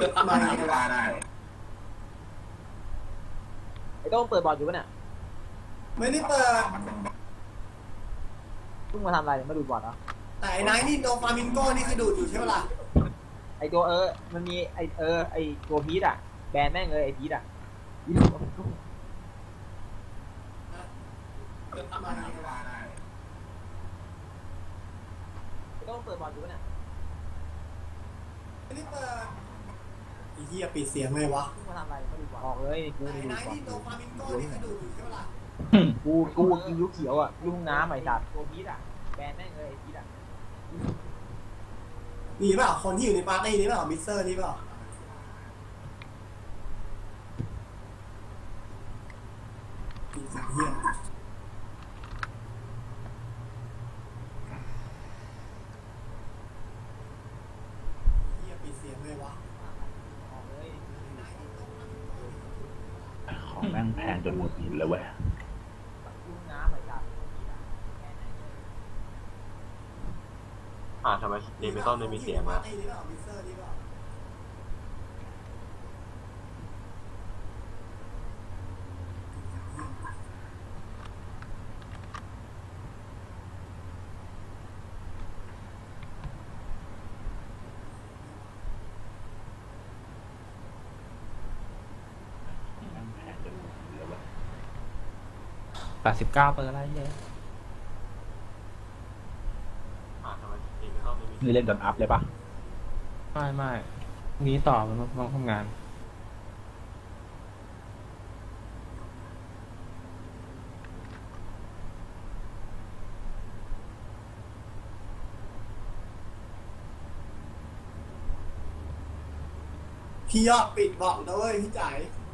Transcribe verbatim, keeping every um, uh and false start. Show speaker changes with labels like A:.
A: ทำไมวะได้
B: ไอ้โต้งเปิดบอร์ดอยู่ปะเนี่ย
A: ไม่ได้เปิด
B: เพิ่งมาทำอะไรเนี่ยมาดูบอร์ดเหรอ
A: แต่ไอ้นายนี่โดฟามิงโก้นี่คือดูดอยู่ใช่ไหมล่ะ
B: ไอ้ตัวเออมันมีไอ้เออไอ้ตัวพีทอ่ะแบนแม่งเลยไอ้พีทอ่ะพีท
A: ทำไมวะ
B: ไอ้โต้งเปิดบอร์ดอยู่ปะเนี่ย
A: ไม่ได้เปิดไอ้เหี้ยปิดเสียงเลยวะ
B: เพิ่งมาทำอะไรเนี่ยมาดูบอร์ดออกเลยกู
A: แต่
B: มา
A: ไอ้
B: ดูบอร์ด
A: นายนี่โดฟามิงโก้นี่คือดูดอยู่ใช่ไหมล่ะ
B: กูกูกินลูกเขียวอ่ะลูกน้ำไอ้สัตว์ตัวพีทอ่ะแบนแม่งเลยไอ้พีทอ่ะ
A: มีเปล่าคนที่อยู่ในปาร์ตี้นี้เปล่ามิสเตอร์นี่เปล่าปีศาจเหี้ยเหี้ยปิดเสียงเลยวะ
B: ออกเลย
C: ของแม่งแพงจนหมดหินเลยเว้ย
B: ลูกน้ำไอ้สัตว์ตัวพีทอ่ะแบนแม่งเลย
D: อ่าทำไมเดมิตอนไม่มีเสียง
A: ปา
D: อะ
A: ร์ตี้นี้เปล่ามิสเตอร์นี่เปล่า
C: ของแม่งแพงจนหมดหินเลยเว้ย
E: แปดสิบเก้าเปิดอะไรเนี่ย
D: อ่าทำไมเดมิตอนไม่มี
C: นี่เล่นดอนอัพเลยปะ
E: ไม่ไม่นี้ต่อมันต้องทำงาน
A: พี่ยอดปิดบอกนะเว้ยพี่จ๋าย